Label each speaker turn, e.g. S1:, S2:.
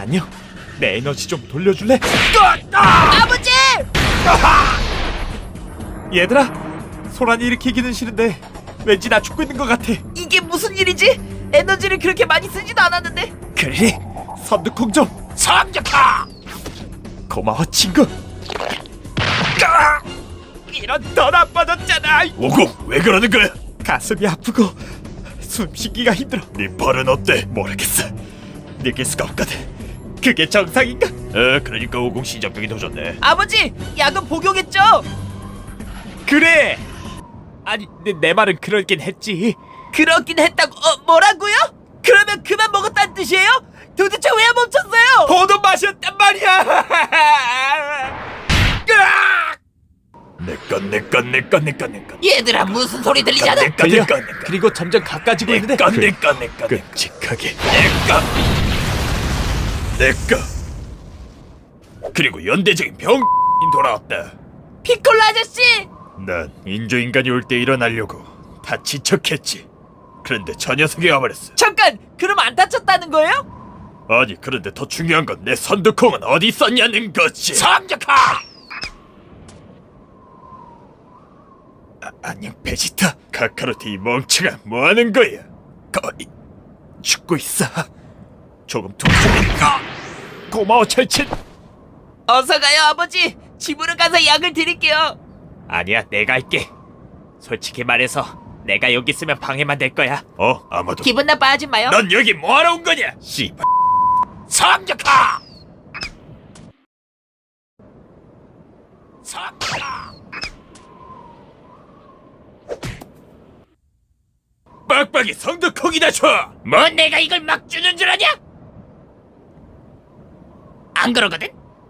S1: 안녕. 내 에너지 좀 돌려줄래?
S2: 아버지!
S1: 얘들아, 소란이 일으키기는 싫은데 왠지 나 죽고 있는 것 같아.
S2: 이게 무슨 일이지? 에너지를 그렇게 많이 쓰지도 않았는데.
S1: 그래, 선두콩 좀
S2: 성적하!
S1: 고마워 친구. 이런 더 나빠졌잖아.
S3: 오공, 왜 그러는 거야?
S1: 가슴이 아프고 숨쉬기가 힘들어.
S3: 네 발은 어때?
S1: 모르겠어. 느낄 수가 없거든. 그게 정상인가?
S3: 그러니까 오공 신장병이 더 좋네.
S2: 아버지! 약은 복용했죠?
S1: 그래. 아니 내 말은 그럴긴 했지.
S2: 그렇긴 했다고. 뭐라고요? 그러면 그만 먹었다는 뜻이에요? 도대체 왜 멈췄어요?
S1: 포도 마셨단 말이야.
S3: 내건
S2: 얘들아, 무슨 소리 들리잖아.
S1: 들려. 그리고 점점 가까워지고 있는데.
S3: 끔찍하게 내꺼. 그리고 연대적인 병 돌아왔다.
S2: 피콜로 아저씨!
S3: 난 인조인간이 올 때 일어나려고 다 지척했지. 그런데 저 녀석이 와버렸어.
S2: 잠깐! 그럼 안 다쳤다는 거예요?
S3: 아니, 그런데 더 중요한 건 내 선두콩은 어디 있었냐는 거지.
S2: 성적하!
S3: 안녕 베지타. 카카로트 이 멍청아, 뭐하는 거야? 거의 죽고 있어. 조금 통증이니까.
S1: 고마워 철친.
S2: 어서 가요, 아버지. 집으로 가서 약을 드릴게요.
S1: 아니야, 내가 할게. 솔직히 말해서 내가 여기 있으면 방해만 될 거야.
S3: 아마도.
S2: 기분 나빠하지 마요.
S3: 넌 여기 뭐하러 온 거냐? 씨발.
S2: 성적하!
S3: 빡빡이 성두콩이나 줘.
S2: 뭐 내가 이걸 막 주는 줄 아냐? 안 그러거든?